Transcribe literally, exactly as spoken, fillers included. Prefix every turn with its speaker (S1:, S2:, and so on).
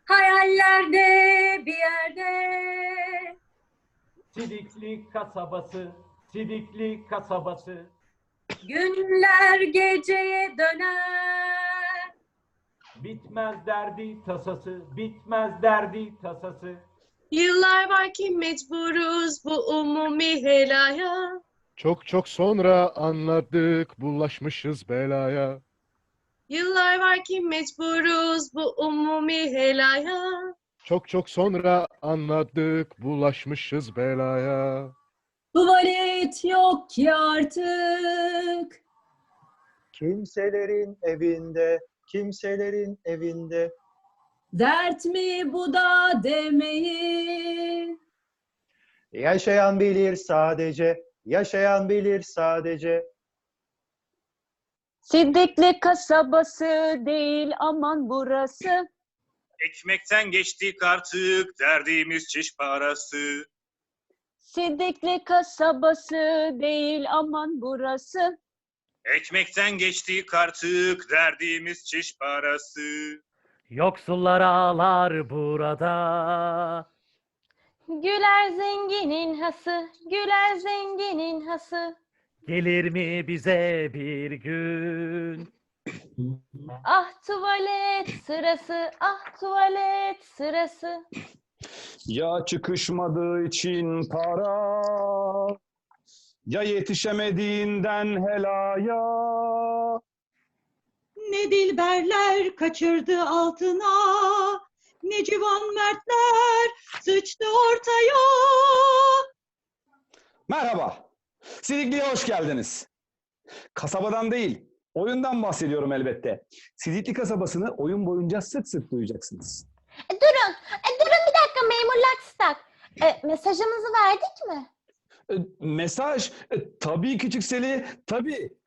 S1: Hayallerde bir yerde.
S2: Sidikli kasabası, Sidikli kasabası.
S1: Günler geceye döner.
S2: Bitmez derdi tasası, bitmez derdi tasası.
S3: Yıllar var ki mecburuz bu umumi helaya.
S4: Çok çok sonra anladık bulaşmışız belaya.
S3: Yıllar var ki mecburuz bu umumi helaya.
S4: Çok çok sonra anladık bulaşmışız belaya.
S1: Tuvalet yok ki artık.
S5: Kimselerin evinde, kimselerin evinde.
S1: Dert mi bu da demeyin.
S5: Yaşayan bilir sadece, yaşayan bilir sadece.
S6: Sidikli kasabası değil aman burası.
S7: Ekmekten geçtik artık derdimiz çiş parası.
S6: Sidikli kasabası değil aman burası.
S7: Ekmekten geçtik artık derdimiz çiş parası.
S2: Yoksullar ağlar burada.
S6: Güler zenginin hası, güler zenginin hası.
S2: Gelir mi bize bir gün?
S6: Ah tuvalet sırası, ah tuvalet sırası.
S8: Ya çıkışmadığı için para, ya yetişemediğinden helaya.
S9: Ne dilberler kaçırdı altına, ne civan mertler sıçtı ortaya.
S8: Merhaba, Sidikli'ye hoş geldiniz. Kasabadan değil, oyundan bahsediyorum elbette. Sidikli kasabasını oyun boyunca sık sık duyacaksınız.
S10: E, durun, e, durun bir dakika memur Lakstak. E, mesajımızı verdik mi?
S8: E, mesaj, e, tabii küçük Seli, tabii.